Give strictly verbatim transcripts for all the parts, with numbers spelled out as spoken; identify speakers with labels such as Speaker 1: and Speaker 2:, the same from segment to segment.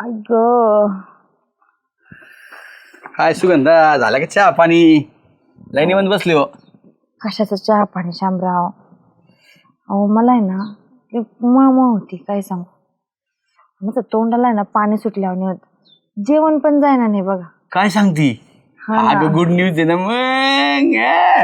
Speaker 1: ऐक
Speaker 2: काय सुगंधा झाला का चहा पाणी लाईनीमध्ये बसले हो.
Speaker 1: कशाचं चहा पाणी शामराव. अहो मला आहे ना मळ होती काय सांगू. माझं तोंडाला आहे ना पाणी सुटल्यावर होत. जेवण पण जायना नाही बघा.
Speaker 2: काय सांगती.
Speaker 1: हा ना.
Speaker 2: अगं गुड न्यूज आहे ना मग.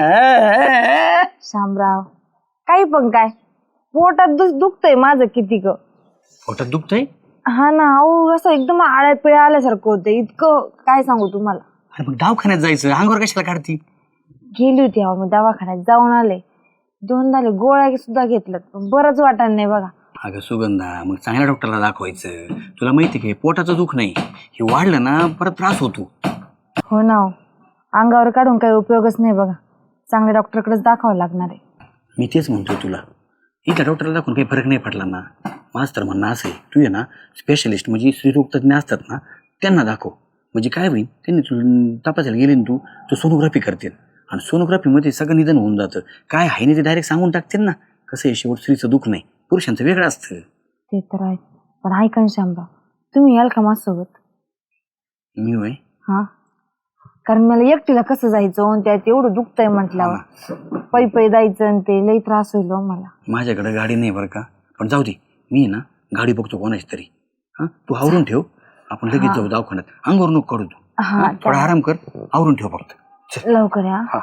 Speaker 1: शामराव काही पण काय पोटात दुख दुखतंय माझं किती ग.
Speaker 2: पोटात दुखतंय.
Speaker 1: हा ना. अहो असं एकदम आळ्या पिळ्या आल्यासारखं होतं इतकं काय सांगू तुम्हाला.
Speaker 2: अरे मग दवाखान्यात जायचं अंगावर कशाला काढती.
Speaker 1: गेली होती अहो मी दवाखान्यात जाऊन आले. दोन झाले गोळ्या सुद्धा घेतल्यात पण बरंच वाटत नाही बघा.
Speaker 2: अगं सुगंधा मग चांगल्या डॉक्टरला दाखवायचं. तुला माहिती आहे पोटाचं दुख नाही हे वाढलं ना परत त्रास होतो.
Speaker 1: हो ना. अंगावर काढून काही उपयोगच नाही बघा. चांगल्या डॉक्टरकडेच दाखवावं लागणार आहे.
Speaker 2: मी तेच म्हणतोय तुला इथल्या डॉक्टरला दाखवून काही फरक नाही पडला ना. माझं तर म्हणणं असं आहे तू आहे ना स्पेशलिस्ट म्हणजे स्त्रीरोग तज्ञ असतात ना त्यांना दाखव. म्हणजे काय होईल त्यांनी तू तपासायला गेले ना तू तू सोनोग्राफी करतील आणि सोनोग्राफीमध्ये सगळं निधन होऊन जातं. काय आहे नाही ते डायरेक्ट सांगून टाकतील ना. कसं आहे शेवट स्त्रीचं दुःख नाही पुरुषांचं वेगळं असतं.
Speaker 1: ते तर आहे पण ऐका ना शामराव तुम्ही याल का माझ्यासोबत.
Speaker 2: मी होय.
Speaker 1: हा कारण मला एकटीला कसं जायचं आणि त्यात एवढं दुखतंय म्हटल्यावर पै पै जायचं आणि ते लई त्रास होईल हो मला.
Speaker 2: माझ्याकडे गाडी नाही बरं का पण जाऊ दे मी आहे ना गाडी बघतो कोणाची तरी. हां तू आवरून ठेव आपण लगेच जाऊ दवाखान्यात. अंगावर नको काढू तू.
Speaker 1: हा
Speaker 2: थोडा आराम कर आवरून ठेव फक्त.
Speaker 1: लवकर या.
Speaker 2: हा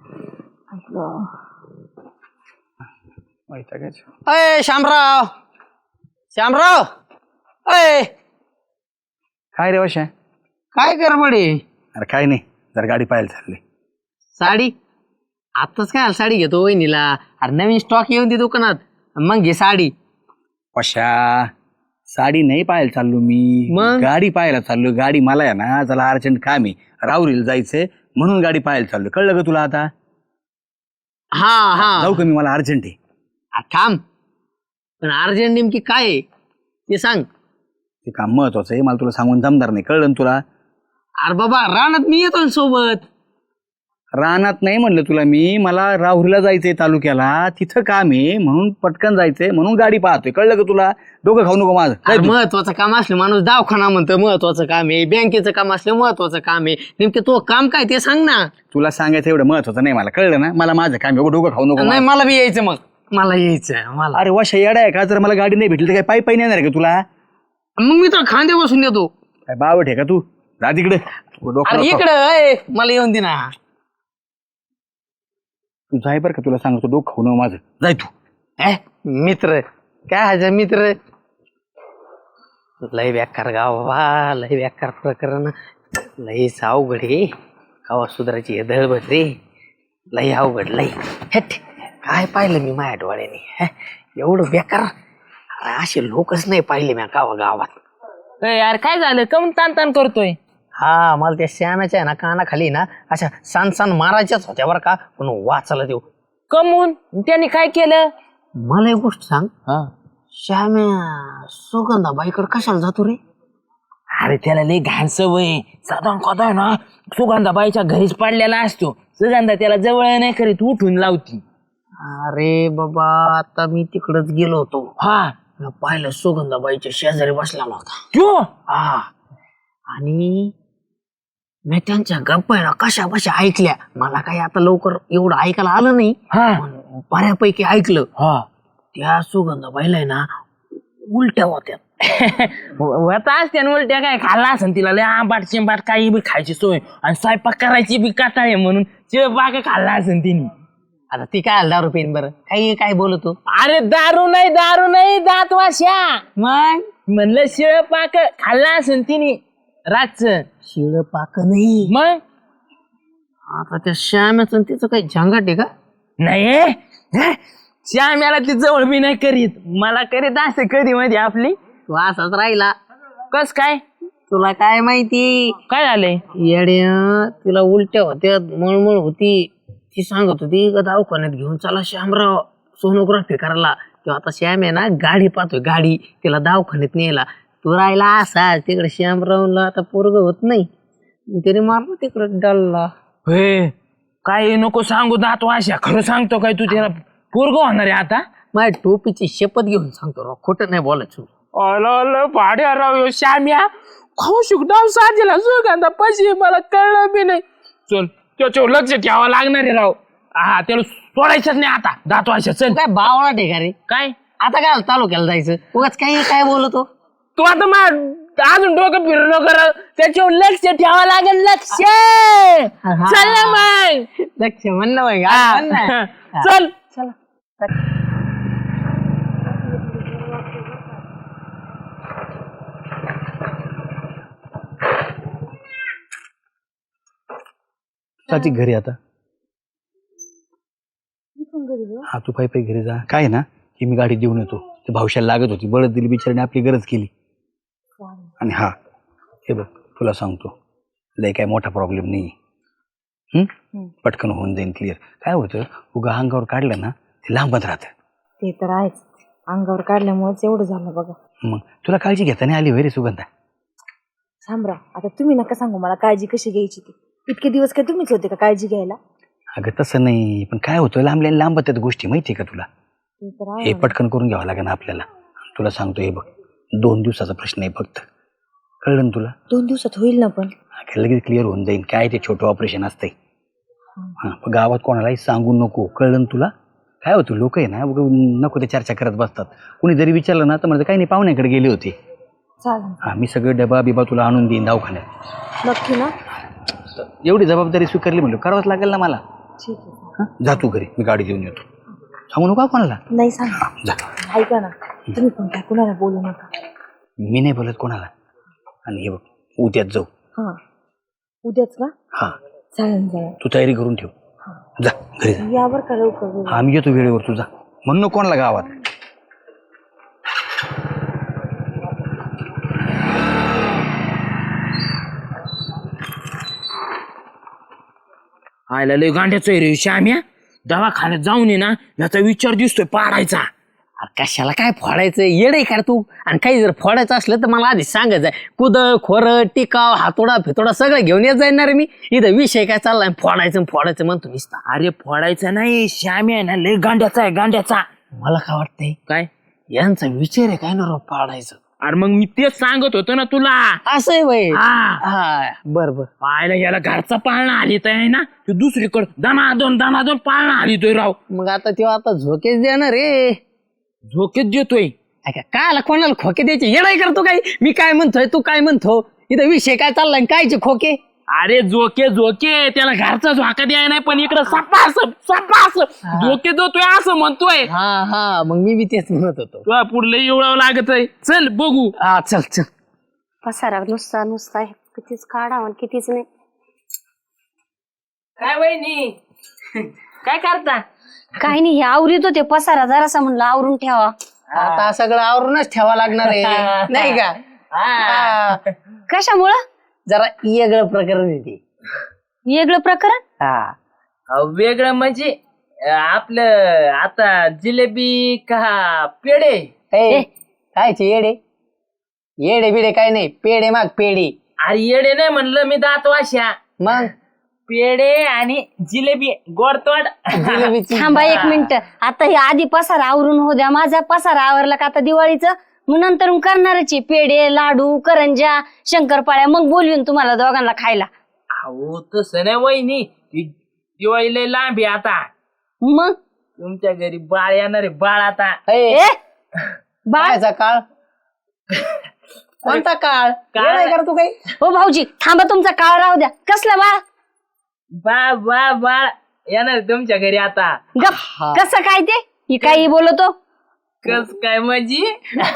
Speaker 3: अय शामराव शामराव अय
Speaker 2: काय रे वशा.
Speaker 3: काय कर बडे.
Speaker 2: अरे काय नाही जर गाडी पाहायला चालली.
Speaker 3: साडी आत्ताच काय साडी घेतो वहिनीला. अरे नवीन स्टॉक येऊन दे दुकानात मग घे साडी.
Speaker 2: वशा साडी नाही पाहायला चाललो मी
Speaker 3: मग?
Speaker 2: गाडी पाहायला चाललो. गाडी मला आहे ना चला अर्जंट काम आहे राहुरीला जायचंय म्हणून गाडी पाहायला चाललो. कळलं का तुला आता.
Speaker 3: हा हा
Speaker 2: जाऊ का मी मला अर्जंट आहे.
Speaker 3: आ, थांब पण अर्जंट नेमकी काय आहे ते सांग.
Speaker 2: ते काम महत्वाचं आहे मला तुला सांगून जमणार नाही. कळलं ना तुला.
Speaker 3: अरे बाबा रानात मी येतो ना सोबत.
Speaker 2: रानात नाही म्हणलं तुला मी मला राहुरीला जायचंय तालुक्याला तिथं काम आहे म्हणून पटकन जायचंय म्हणून गाडी पाहतोय. कळलं का तुला. डोकं खाऊ नको माझं.
Speaker 3: अरे महत्वाचं काम असलं माणूस दवाखाना म्हणतं महत्वाचं काम आहे. बँकेचं काम असलं महत्वाचं काम आहे. नेमकं तो काम काय ते सांग ना.
Speaker 2: तुला सांगायचं एवढं महत्वाचं नाही मला. कळलं ना. मला माझं काम आहे. डोकं खाऊ नको
Speaker 3: नाही
Speaker 2: माझं.
Speaker 3: मला बी यायचं मग मला यायचं मला.
Speaker 2: अरे वशा येडा आहे का. जर मला गाडी नाही भेटली तर काय पायी पायी नाही येणार का तुला.
Speaker 3: मग मी तर खांदे बसून येतो.
Speaker 2: काय बावट आहे का तू. जा तिकडे. डोकं
Speaker 3: अरे
Speaker 2: नको.
Speaker 3: इकडं अय, मला येऊन दे ना.
Speaker 2: तू जाय बरं का तुला सांगतो डोकं खाऊ नको माझं. जाय तू.
Speaker 3: ए, मित्र काय हाय मित्र. लय बेकार गाव बाबा लय बेकार प्रकरण. लय अवघड आहे गावात सुधारायची दळबट रे. लय अवघड लय. हेट काय पाहिलं मी माझ्या डोळ्याने. हे, एवढं बेकार अरे असे लोकच नाही पाहिले मी गावा गावात.
Speaker 4: यार काय झालं कम ताण ताण करतोय.
Speaker 3: हा मला त्या शहाणाच्या आहे ना कानाखाली ना अशा सान सान मारायच्याच होत्या बरं का पण वाचायला देऊ.
Speaker 4: कमून त्यांनी काय केलं.
Speaker 3: मला एक गोष्ट सांग. श्याम्या सुगंधाबाईकडे कशाला जातो रे.
Speaker 4: अरे त्याला लय घाण सवय साधा कदा ना सुगंधाबाईच्या घरीच पडलेला असतो. सुगंधा त्याला जवळ नाही करीत उठून लावती.
Speaker 3: अरे बाबा आता मी तिकडच गेलो होतो.
Speaker 4: हा
Speaker 3: मी पाहिलं सुगंधाबाईच्या शेजारी बसला होता.
Speaker 4: क्यों.
Speaker 3: हा आणि मी त्यांच्या गप्पा आहे ना कशा बशा ऐकल्या. मला काही आता लवकर एवढं ऐकायला आलं नाही
Speaker 4: हा
Speaker 3: पण बऱ्यापैकी ऐकलं.
Speaker 4: हा
Speaker 3: त्या सुगंधाबाईला आहे ना उलट्या होत्या.
Speaker 4: होता असते उलट्या काय खाल्ला असेल तिला लय आंबाट चिंबाट काही बी खायची सोय आणि स्वयंपाक करायची बी काटाळे म्हणून चिळपाक खाल्ला असेल तिने.
Speaker 3: आता ती काय दारू पेन बरं काही काय बोलतो.
Speaker 4: अरे दारू नाही दारू नाही दात वाशा. मग म्हणलं शिळपाक खाल्ला असेल तिने रातच.
Speaker 3: शिळ पाक नाही.
Speaker 4: मग
Speaker 3: आता त्या श्याम्याचं तिचं काही झंगाट आहे का.
Speaker 4: नाही श्याम्याला ती जवळ बी नाही करीत. मला करीत असते कधी मध्ये आपली.
Speaker 3: तू असाच राहिला.
Speaker 4: कस काय
Speaker 3: तुला काय माहिती
Speaker 4: काय झालंय.
Speaker 3: येड्या तिला उलट्या होत्या मळमळ होती. ती सांगत होती का दवाखान्यात घेऊन चला श्यामराव सोनोग्राफी करायला. तेव्हा आता श्याम आहे ना गाडी पाहतोय गाडी तिला दवाखान्यात नेला. तू राहिला असा तिकडे श्यामरावला आता पोरग होत नाही तरी मारलं तिकडे डल्ला.
Speaker 4: हे काय नको सांगू दात वाशा. खरं सांगतो काय तू त्याला पोरग होणार आहे आता.
Speaker 3: माझ्या टोपीची शपथ घेऊन सांगतो राव खोटं नाही बोलायचं.
Speaker 4: अल भाड्या राव श्याम्या कौशिक डाव साजेला सुगंधा पैसे मला कळलं बी नाही. चल त्याच्यावर लक्ष ठेवावं लागणार आहे राव. हा त्याला सोडायचंच नाही आता. जातो अशा चल.
Speaker 3: काय बावळा ठिकाणी
Speaker 4: काय
Speaker 3: आता काय तालुक्याला जायचं उगाच काही काय बोलतो.
Speaker 4: तू आता मग अजून डोकं फिरणं कर. त्याच्यावर लक्ष ठेवावं लागेल. लक्ष चल ना मग.
Speaker 3: लक्ष म्हणणं बाई
Speaker 4: हा.
Speaker 3: म्हण ना.
Speaker 4: चल
Speaker 2: चालती घरी आता. हा तू पायी पायी घरी जा. काय आहे ना की मी गाडी देऊन येतो. ते भावशाला लागत होती बळद दिली बिचाराने आपली गरज केली. आणि हा हे बघ तुला सांगतो लय काय मोठा प्रॉब्लेम नाही. हम्म पटकन होऊन जाईन क्लिअर. काय होतं उगा अंगावर काढलं ना ते लांबत राहतं.
Speaker 1: ते तर आहेच. अंगावर काढल्यामुळेच एवढं झालं बघा.
Speaker 2: मग तुला काळजी घेता नाही आली होय रे सुगंधा.
Speaker 1: शामराव आता तुम्ही नका सांगू मला काळजी कशी घ्यायची ती. इतके दिवस काय तुम्हीच होते का काळजी घ्यायला.
Speaker 2: अगं तसं नाही पण काय होतं लांबल्या लांबत आहेत गोष्टी माहिती आहे का तुला.
Speaker 1: ते तर आहे.
Speaker 2: हे पटकन करून घ्यावं लागेल आपल्याला. तुला सांगतो हे बघ दोन दिवसाचा प्रश्न आहे फक्त. कळलं ना तुला.
Speaker 1: दोन दिवसात होईल ना पण.
Speaker 2: अगं लगेच क्लिअर होऊन जाईल. काय ते छोटं ऑपरेशन असतंय. हां पण गावात कोणालाही सांगू नको. कळलं ना तुला. काय होतं लोक आहे ना उगा नको ते चर्चा करत बसतात. कुणी जरी विचारलं ना तर म्हणजे काही नाही पाहुण्याकडे गेले होते.
Speaker 1: चालेल.
Speaker 2: हां मी सगळं डबा बिबा तुला आणून देईन दवाखान्यात.
Speaker 1: नक्की ना.
Speaker 2: एवढी जबाबदारी स्वीकारली म्हणलं करावंच लागेल ना मला.
Speaker 1: ठीक आहे.
Speaker 2: हां जा तू घरी मी गाडी देऊन येतो. सांगू नका कोणाला.
Speaker 1: नाही सांग.
Speaker 2: जा.
Speaker 1: ऐका ना तुम्ही पण काय कुणाला बोलू नका.
Speaker 2: मी नाही बोलत कोणाला. आणि हे बघ उद्याच जाऊ.
Speaker 1: हा उद्याच का.
Speaker 2: हां
Speaker 1: चालेल चालेल.
Speaker 2: तू तयारी करून ठेव. जा घरी जा.
Speaker 1: यावर का लवकर.
Speaker 2: हा मी येतो वेळेवर. तू जा म्हणून नको कोणाला गावात.
Speaker 4: आयला लय गांड्याचं रे श्याम्या. दवाखान्यात जाऊन ये ना याचा विचार दिसतोय पाडायचा.
Speaker 3: अरे कशाला काय फोडायचं येडे कर तू. आणि काही जर फोडायचं असलं तर मला आधी सांगायचं आहे. कुद खोर टिकाव हातोडा फितोडा सगळं घेऊन येत जाणार मी. इथं विषय काय चाललाय फोडायचं फोडायचं म्हणतो नुसता.
Speaker 4: अरे फोडायचा नाही श्याम्या आहे ना लय गांड्याचा आहे गांड्याचा.
Speaker 3: मला काय वाटतंय
Speaker 4: काय
Speaker 3: यांचा विचार आहे काय ना राव पाडायचं.
Speaker 4: अरे मग मी तेच सांगत होतो ना तुला.
Speaker 3: असं आहे बाई.
Speaker 4: हा
Speaker 3: हा बर बर.
Speaker 4: पाहायला याला घरचा पाळणा आलीत आहे ना तू दुसरीकडं दनादन दनादन पाळणा आलीतोय राव.
Speaker 3: मग आता तेव्हा आता झोकेच देणार रे.
Speaker 4: झोकेच देतोय.
Speaker 3: काय कोणाला खोके द्यायचे येडाय करतो काय. मी काय म्हणतोय तू काय म्हणतो. इथं विषय काय चाललाय कायचे खोके.
Speaker 4: अरे झोके झोके त्याला घरचा झोका द्याय नाही पण इकडं सपास सपास झोके देतोय असं म्हणतोय.
Speaker 3: हा हा मग मी बी तेच म्हणत होतो.
Speaker 4: तुला पुढलं एवढं लागत आहे. चल बघू.
Speaker 3: हा चल चल.
Speaker 5: पसारा नुसता नुसता आहे कितीच काढा आणि कितीच नाही.
Speaker 4: काय वहिनी काय करता.
Speaker 5: काही नाही हे आवरीत होते पसारा जरासा म्हणलं आवरून ठेवा.
Speaker 3: आता सगळं आवरूनच ठेवा लागणार आहे नाही का. हा.
Speaker 5: कशामुळं.
Speaker 3: जरा वेगळं प्रकरण आहे ते.
Speaker 5: वेगळं प्रकरण.
Speaker 3: हा
Speaker 4: अहो, वेगळं म्हणजे अं, आपलं आता जिलेबी का पेढे.
Speaker 3: ए, कायचे येडे येडे बिडे काय नाही. पेढे माग पेढे.
Speaker 4: अरे येडे नाही म्हणलं मी दात वाशा.
Speaker 3: मग
Speaker 4: पेढे आणि जिलेबी गोडतोड.
Speaker 3: जिलेबीची
Speaker 5: थांबा एक मिनिट. आता हे आधी पसारा आवरून हो द्या. माझा पसारा आवरला का आता दिवाळीचं मग नंतर करणारच आहे. पेढे लाडू करंजा शंकरपाळ्या मग बोलवीन तुम्हाला दोघांना खायला.
Speaker 4: अहो तसं नाही वहिनी ती दिवाळी लय लांब आहे आता.
Speaker 5: मग
Speaker 4: तुमच्या घरी बाळ येणार आहे बाळ आता.
Speaker 3: ए,
Speaker 5: ए बाळ.
Speaker 3: कायचा काळ कोणता काळ काय कर तू काही.
Speaker 5: हो भाऊजी थांबा तुमचा काळ राहू द्या. कसला बाळ.
Speaker 4: बा बा बाळ येणार आहे तुमच्या घरी आता.
Speaker 5: गप. कसं काय ते ही काही बोलतो.
Speaker 4: कस काय माझी.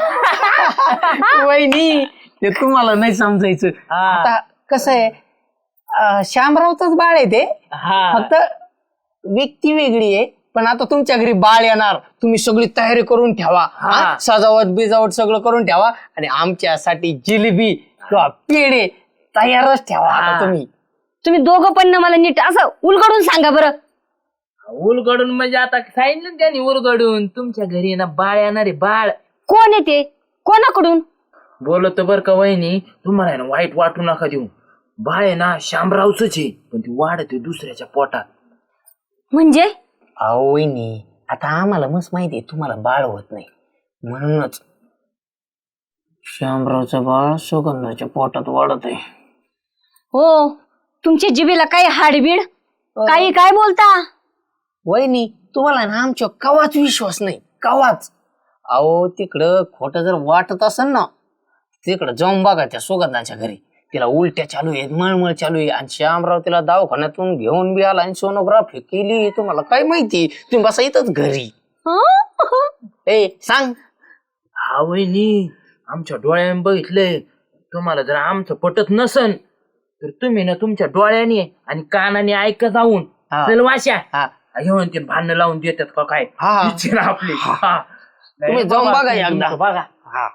Speaker 3: वहिनी ते तुम्हाला नाही समजायचं. आता कसं आहे अं, श्यामरावचंच बाळ आहे ते. फक्त व्यक्ती वेगळी आहे. पण आता तुमच्या घरी बाळ येणार तुम्ही सगळी तयारी करून ठेवा. हा? सजावट बिजावट सगळं करून ठेवा. आणि आमच्यासाठी जिलेबी किंवा पेढे तयारच ठेवा आता तुम्ही.
Speaker 5: तुम्ही दोघं पण ना मला नीट असं उलगडून सांगा बरं.
Speaker 4: उलगडून म्हणजे आता सांगितलं ना त्यांनी उलगडून तुमच्या घरी ना बाळ येणार आहे बाळ.
Speaker 5: कोण येते कोणाकडून.
Speaker 4: बोलतो बर का वहिनी तुम्हाला आहे ना वाईट वाटू नका देऊ. बाळ आहे ना शामरावच आहे पण ती वाढते दुसऱ्याच्या पोटात.
Speaker 5: म्हणजे
Speaker 3: अहो वहिनी आता आम्हाला मस्त माहिती आहे तुम्हाला बाळ होत नाही म्हणूनच श्यामरावचं बाळ सुगंधाच्या पोटात वाढत आहे.
Speaker 5: हो तुमच्या जिभेला काही हाडबीड काही काय बोलता?
Speaker 3: वहिनी तुम्हाला ना आमच्या कवाच विश्वास नाही, कवाच. अहो तिकडं खोटं जर वाटत असेल ना, तिकडं जाऊन बघा त्या सुगंधाच्या घरी. तिला उलट्या चालू आहेत, मळमळ चालू आहे, आणि श्यामराव तिला दवाखान्यातून घेऊन बी आला आणि सोनोग्राफी केली. तुम्हाला काय माहिती, तुम्ही बसा इथंच घरी. ए सांग.
Speaker 4: हा वहिनी आमच्या डोळ्याने बघितलंय. तुम्हाला जर आमचं पटत नसन तर तुम्ही ना तुमच्या डोळ्याने आणि कानाने ऐक जाऊन
Speaker 3: हा.
Speaker 4: चल वाशा
Speaker 3: हा.
Speaker 4: घेऊन ते भांडणं लावून देतात का काय
Speaker 3: हा.
Speaker 4: विचार आपली. हा.
Speaker 3: तुम्ही जाऊन
Speaker 4: बाबा,
Speaker 3: बघा
Speaker 4: तुम्ही
Speaker 3: एकदा.
Speaker 4: तुमचं बघा.
Speaker 3: हा.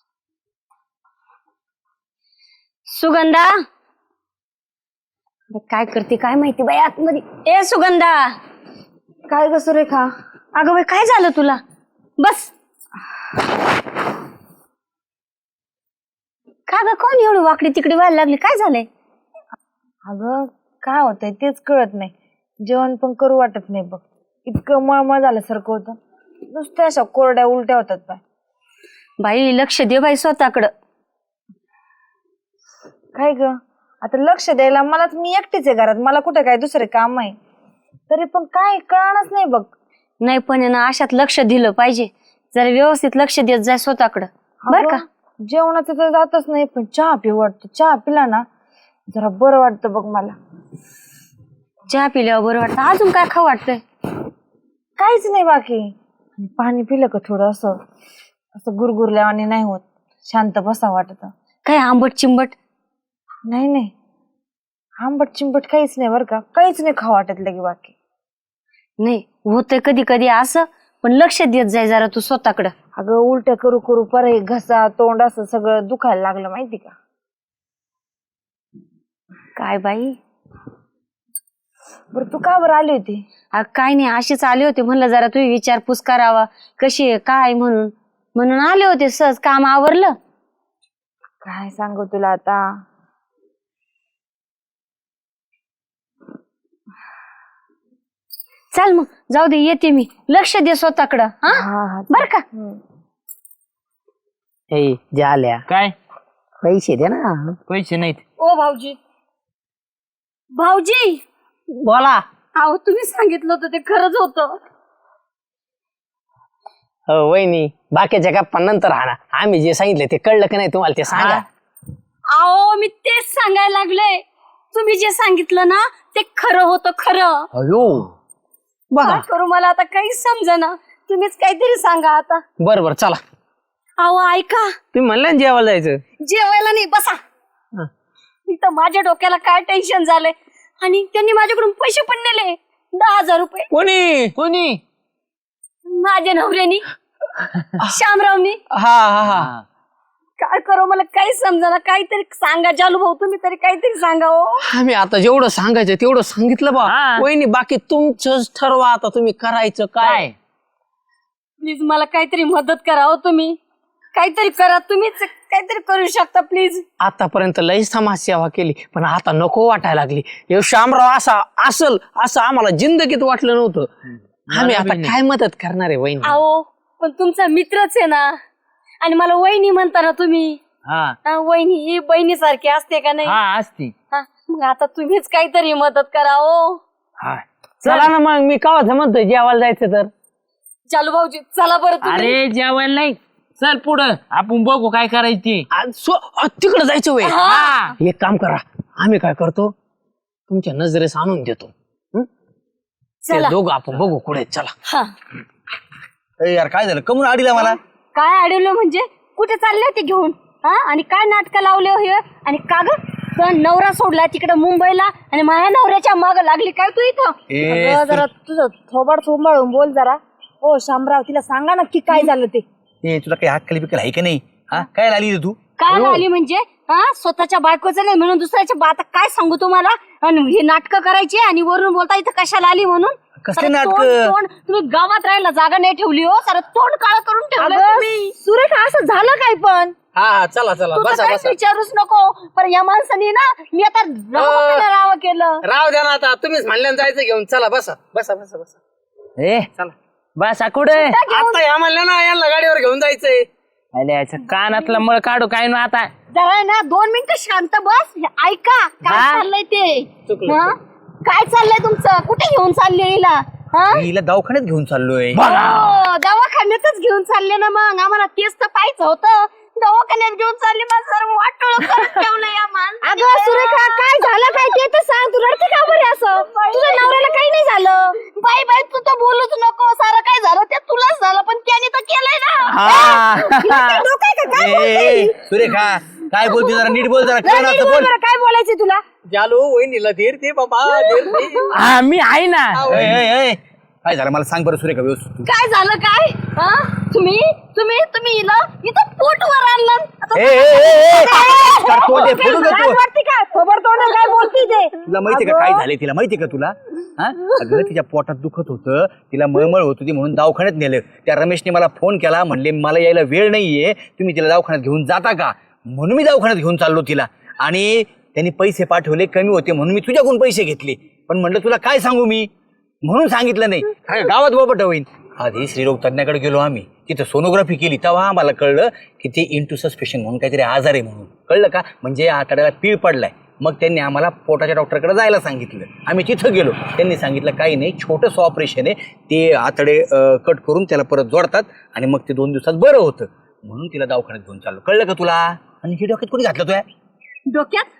Speaker 5: सुगंधा काय करते काय माहिती बाई आतमध्ये. ए सुगंधा.
Speaker 1: काय ग सुरेखा?
Speaker 5: अगं बाई काय झालं तुला? बस. का ग कोण एवढी वाकडी तिकडे व्हायला लागली? काय झालंय?
Speaker 1: अगं काय होतंय तेच कळत नाही. जेवण पण करू वाटत नाही बघ. इतकं मळमळ झाल्यासारखं होतं. नुसत्या अशा कोरड्या उलट्या होतात बाय.
Speaker 5: बाई लक्ष दे बाई स्वतःकडं.
Speaker 1: काय ग आता लक्ष द्यायला मलाच, मी एकटीच आहे घरात, मला कुठे काय दुसरे काम आहे, तरी पण काय कळणारच नाही बघ.
Speaker 5: नाही पण आहे ना अशात लक्ष दिलं पाहिजे. जरा व्यवस्थित लक्ष देत जाय स्वतःकडं बर का.
Speaker 1: अगं, जेवणाचं तर जातच नाही, पण चहा पिऊ वाटतं. चहा पिला ना जरा बरं वाटतं बघ मला.
Speaker 5: चहा पिल्यावर बरं वाटतं. अजून काय खाऊ वाटतंय?
Speaker 1: काहीच नाही बाकी. आणि पाणी पिलं का थोडं असं असं गुरगुरल्यावानी नाही होत, शांत बसा वाटत.
Speaker 5: काय आंबट चिंबट?
Speaker 1: नाही नाही आंबट चिंबट काहीच नाही बरं का, काहीच नाही खाऊ वाटत लगे बाकी.
Speaker 5: नाही होतंय कधी कधी असं, पण लक्ष देत जाय जरा तू स्वतःकडं.
Speaker 1: अगं उलट्या करू करू परत घसा तोंड असं सगळं दुखायला लागलं माहिती का.
Speaker 5: काय बाई.
Speaker 1: बरं तू का बरं आली होती?
Speaker 5: अ, काय नाही अशीच आले होते, म्हणलं जरा तुम्ही विचारपूस करावा कशी आहे काय म्हणून म्हणून आले होते. सहज काम आवरलं.
Speaker 1: काय सांगू तुला आता.
Speaker 5: चल मग जाऊ दे येते मी. लक्ष दे स्वतःकडं हा
Speaker 1: हा हा
Speaker 5: बर का.
Speaker 3: ए झाल्या
Speaker 4: काय
Speaker 3: पैसे दे ना.
Speaker 4: पैसे नाहीत.
Speaker 5: ओ भाऊजी. भाऊजी
Speaker 3: बोला.
Speaker 5: अहो तुम्ही सांगितलं होतं ते खरंच होतं.
Speaker 3: हो वहिनी बाकीच्या गप्पा नंतर हा ना, आम्ही जे सांगितले ते कळलं की नाही तुम्हाला ते सांगा.
Speaker 5: अहो मी तेच सांगायला लागले. तुम्ही जे सांगितलं ना ते खरं होतं खरं.
Speaker 3: अयो बघा.
Speaker 5: काय करू मला आता काहीच समजेना. तुम्हीच काहीतरी सांगा आता.
Speaker 3: बरं बरं चला.
Speaker 5: अहो ऐका.
Speaker 3: तुम्ही म्हणलं ना जेवायला जायचं.
Speaker 5: जेवायला नाही बसा.
Speaker 3: हा.
Speaker 5: इथं माझ्या डोक्याला काय टेन्शन झालंय. आणि त्यांनी माझ्याकडून पैसे पण नेले दहा हजार रुपये.
Speaker 3: कोणी कोणी?
Speaker 5: माझ्या नवऱ्यानी श्यामरावनी.
Speaker 3: हा हा हा.
Speaker 5: काय करू मला काही समजा. काहीतरी सांगा जालू भाऊ, तुम्ही तरी काहीतरी सांगा. हो
Speaker 3: आम्ही आता जेवढं सांगायचं तेवढं सांगितलं बा.
Speaker 4: हा.
Speaker 3: वहिनी बाकी तुमचंच ठरवा आता तुम्ही करायचं काय.
Speaker 4: काय
Speaker 5: प्लीज मला काहीतरी मदत करा. हो तुम्ही काहीतरी करा. तुम्हीच काहीतरी करू शकता प्लीज.
Speaker 3: आतापर्यंत लई समाज सेवा केली पण आता नको वाटायला लागली. हे श्यामराव असा असल असं आम्हाला जिंदगीत वाटलं नव्हतं. आम्ही आता काय मदत करणार आहे वहिनी.
Speaker 5: अहो पण तुमचा मित्रच आहे ना, आणि मला वहिनी म्हणता ना तुम्ही.
Speaker 4: हा
Speaker 5: हा, वहिनी ही बहिणीसारखी असते का नाही.
Speaker 4: हा असती.
Speaker 5: हा, मग आता तुम्हीच काहीतरी मदत करा. हो
Speaker 4: हा
Speaker 3: चला ना मग मी कावा म्हणतोय जेवायला जायचं तर.
Speaker 5: चालू भाऊजी चला बरं तुम्ही.
Speaker 4: अरे जेवायला नाही, चल पुढं आपण बघू काय करायची.
Speaker 3: तिकडे जायचं वय.
Speaker 4: हा
Speaker 3: एक काम करा, आम्ही काय करतो तुमच्या नजरेस आणून देतो. हं? ते
Speaker 5: चला.
Speaker 3: दोघं आपण बघू कुठे. चला.
Speaker 5: हा
Speaker 2: ए यार काय झालं, कमून आडीला मला?
Speaker 5: काय अडवलं म्हणजे कुठे चालले होते घेऊन हा, आणि काय नाटक लावले हो हे. आणि का ग तुझा नवरा सोडला तिकडे मुंबईला आणि माझ्या नवऱ्याच्या माग लागली काय तू इथं.
Speaker 2: ए
Speaker 1: अगं, जरा तुझं थोबाड सांभाळून बोल जरा. ओ शामराव तिला सांगा नक्की काय झालं ते.
Speaker 2: ए, तुला काही हक्कली बिकल आहे का नाही? हा काय आली रे तू?
Speaker 5: काय आली म्हणजे हा, स्वतःच्या बायकोचं नाही म्हणून दुसऱ्याच्या बाता काय सांगू तुम्हाला. आणि हे नाटक करायची आणि वरून बोलता इथं कशाला आली म्हणून.
Speaker 2: कसले
Speaker 5: सारं
Speaker 2: नाटकं?
Speaker 5: तोंड- तोंड तुम्ही गावात राहायला जागा नाही ठेवली हो. सारं तोंड काळ करून ठेवलं
Speaker 1: अगं,
Speaker 5: तुम्ही.
Speaker 1: सुरेखा असं झालं काय पण.
Speaker 3: हा हा चला चला
Speaker 5: तू तर
Speaker 3: बसा
Speaker 5: काहीच
Speaker 3: बसा.
Speaker 5: विचारूच नको. पण या माणसाने ना मी आता राव राव केलं.
Speaker 3: राव द्या ना आता, तुम्हीच म्हणल्यानं जायचं घेऊन. चला बसा बसा बसा बसा.
Speaker 4: ए
Speaker 3: चला
Speaker 4: बसा कुठे.
Speaker 3: आता या म्हणल्या ना यांना गाडीवर घेऊन जायचंय.
Speaker 4: अरे याच्या कानातला मळ काढू काय ना आता.
Speaker 5: जरा ना दोन मिनिटं शांत बस. हे ऐका काय
Speaker 4: हा?
Speaker 5: चाललंय ते. हं? काय चाललंय तुमचं? कुठे घेऊन चालले हिला? हं?
Speaker 2: हिला दवाखान्यात घेऊन चाललोय.
Speaker 5: हो, दवाखान्यातच घेऊन चालले ना मग. आम्हाला तेच तर पाहायचं होतं. दवाखान्यात घेऊन चालले मग सर्व वाटोळ करून ठेवलंय या माणसाने. अगं सुरेखा काय झालं काय ते तर सांग. तू रडते का बरे असं? तुझ्या नवऱ्याला काही नाही झालं. बाई बाई तू तर बोलूच नको. सारं काय झालं ते तुलाच झालं पण त्याने तर केलंय ना. हिला काय डोकं आहे का? काय
Speaker 2: ए,
Speaker 5: बोलते
Speaker 2: ए,
Speaker 5: ही?
Speaker 2: सुरेखा काय बोलते जरा नीट बोल जरा
Speaker 5: नाही,
Speaker 2: काय
Speaker 5: नाही,
Speaker 2: असं
Speaker 5: बोल
Speaker 2: बोल.
Speaker 5: बरं, काय बोलायचं तुला?
Speaker 3: जालो वहिनीला धीर दे बाबा धीर दे.
Speaker 4: हा मी आहे ना.
Speaker 2: ए, ए, ए, काय झालं मला सांग बरं सुरेखा व्यवस्थित.
Speaker 5: काय झालं काय? हा? तुम्ही तुम्ही तुम्ही हिला इथं पोटवर आणलं. आता
Speaker 2: ए, ए, ए, ए,
Speaker 5: काय
Speaker 2: तोंड आहे, फोडून
Speaker 5: लाज
Speaker 2: देतो.
Speaker 5: वाटते का? खबर तोंड काय बोलती ते?
Speaker 2: तुला माहितीये का काय झालंय तिला माहितीये का तुला हा अगं तिच्या पोटात दुखत होतं तिला मळमळ होत होती म्हणून दवाखान्यात नेलं. त्या रमेशने मला फोन केला म्हणले मला यायला वेळ नाहीये तुम्ही तिला दवाखान्यात घेऊन जाता का म्हणून मी दवाखान्यात घेऊन चाललो तिला. आणि त्यांनी पैसे पाठवले कमी होते म्हणून मी तुझ्याकडून पैसे घेतले पण म्हणलं तुला काय सांगू मी म्हणून सांगितलं नाही. काय गावात बोबट होईन. आधी स्त्रीरोग तज्ञाकडे गेलो आम्ही तिथं सोनोग्राफी केली तेव्हा आम्हाला कळलं की ते इंटू सस्पेशन म्हणून काहीतरी आजार आहे म्हणून कळलं का म्हणजे आतड्याला पीळ पडलाय. मग त्यांनी आम्हाला पोटाच्या डॉक्टरकडे जायला सांगितलं. आम्ही तिथं गेलो त्यांनी सांगितलं काही नाही छोटंसं ऑपरेशन आहे ते आतडे कट करून त्याला परत जोडतात आणि मग ते दोन दिवसात बरं होतं म्हणून तिला दवाखान्यात घेऊन चाललो. कळलं का तुला? आणि हे डोक्यात कोणी घातलं तुया
Speaker 5: डोक्यात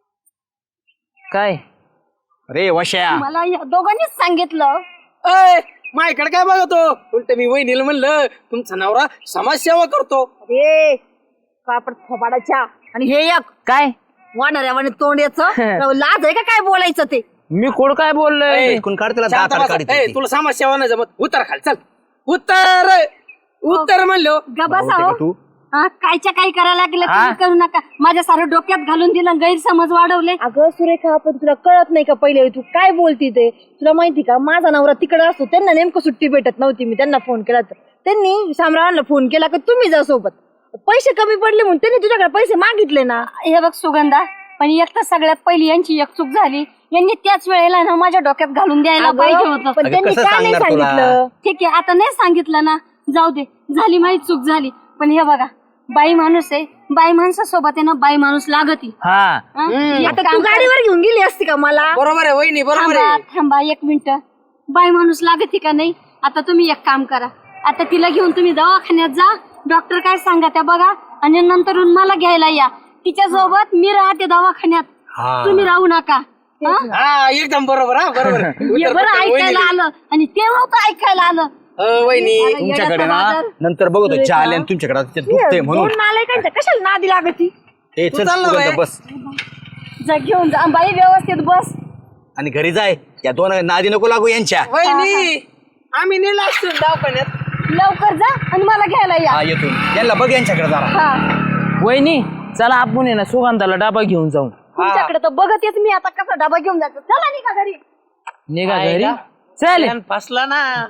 Speaker 4: काय
Speaker 2: अरे वश्या
Speaker 5: मला या दोघांनीच सांगितलं.
Speaker 3: माझ्याकडे काय बघतो उलट मी वहिनीला म्हणलं तुमचा नवरा समाजसेवा करतो.
Speaker 5: अरे कापड थोबाडाच्या आणि हे एक
Speaker 4: काय
Speaker 5: वानऱ्यावाने तोंड याचं लाज आहे का काय बोलायचं ते?
Speaker 4: मी कोण काय बोललोय?
Speaker 2: कोण काढ त्याला
Speaker 3: शांत
Speaker 2: दातार
Speaker 3: बसा.
Speaker 2: काढीत
Speaker 3: ए,
Speaker 2: होती.
Speaker 3: तुला समाजसेवा नाही जमत उत्तर खाल चल उत्तर उत्तर म्हणलो.
Speaker 5: गबासा
Speaker 2: भाऊ
Speaker 5: हो.
Speaker 2: का तू
Speaker 5: हा, कायच्या काय करायला लागलं
Speaker 4: हा?
Speaker 5: तुम्ही करू नका. माझ्या सारं डोक्यात घालून दिलं गैरसमज वाढवले. अगं सुरेखा पण तुला कळत नाही का पहिले तू काय बोलती ते? तुला माहिती का माझा नवरा तिकडे असतो त्यांना नेमकं सुट्टी भेटत नव्हती. मी त्यांना फोन केला तर त्यांनी शामरावांना फोन केला की तुम्ही जा सोबत. पैसे कमी पडले म्हणून त्यांनी तुझ्याकडे पैसे मागितले ना. हे बघ सुगंधा पण एक तर सगळ्यात पहिली यांची एक चूक झाली. यांनी त्याच वेळेला ना माझ्या डोक्यात घालून द्यायला पाहिजे होतं. पण
Speaker 2: अगं,
Speaker 5: त्यांनी
Speaker 2: कसं
Speaker 5: का नाही
Speaker 2: सांगणार तुला?
Speaker 5: सांगितलं? ठीक आहे आता नाही सांगितलं ना जाऊ दे झाली माहिती चूक झाली. पण हे बघा बाई माणूस आहे बाई माणसासोबत आहे ना बाई माणूस लागती.
Speaker 4: हा
Speaker 5: आता तू गाडीवर घेऊन गेली असती का मला?
Speaker 3: बरोबर आहे वहिनी बरोबर
Speaker 5: थांबा
Speaker 3: आहे.
Speaker 5: थांबा एक मिनिट. बाई माणूस लागती का नाही? आता तुम्ही एक काम करा आता तिला घेऊन तुम्ही दवाखान्यात जा. डॉक्टर काय सांगा त्या बघा आणि नंतरून मला घ्यायला या. तिच्या सोबत मी राहते दवाखान्यात.
Speaker 2: हा.
Speaker 5: तुम्ही राहू नका. हा?
Speaker 3: हा एकदम बरोबर हा बरोबर
Speaker 5: हे
Speaker 3: उत्तर
Speaker 5: बरं
Speaker 3: पटकन
Speaker 5: ऐकायला
Speaker 3: वहिनीला.
Speaker 5: आलं आणि ते नव्हतं ऐकायला आलं.
Speaker 3: अ, वहिनी
Speaker 5: अरे,
Speaker 2: तुमच्याकडे
Speaker 5: येड्याचा
Speaker 2: ना
Speaker 5: बाजार.
Speaker 2: नंतर बघतो चहा आले आणि तुमच्याकडे आता ते दुखतंय म्हणून
Speaker 5: दोन नालायकांच्या कशाला नादी लागती?
Speaker 2: हे चल
Speaker 3: चालला
Speaker 2: सुगंधा,
Speaker 3: बाई.
Speaker 2: बस
Speaker 5: जा घेऊन जा बाई व्यवस्थित बस.
Speaker 2: आणि घरी जाय या दोन नादी नको लागू यांच्या.
Speaker 3: वहिनी आम्ही नेला असतो दवाखान्यात.
Speaker 5: लवकर जा आणि मला घ्यायला या.
Speaker 2: हा येतो यांना बघ यांच्याकडे जरा.
Speaker 5: हा
Speaker 4: वहिनी चला आपण आहे ना सुगंधाला डबा घेऊन जाऊ.
Speaker 5: तुमच्याकडे तर बघतेच मी आता कसा डबा घेऊन जातो. चला निघा घरी.
Speaker 4: निघा घरी चल
Speaker 3: फसला ना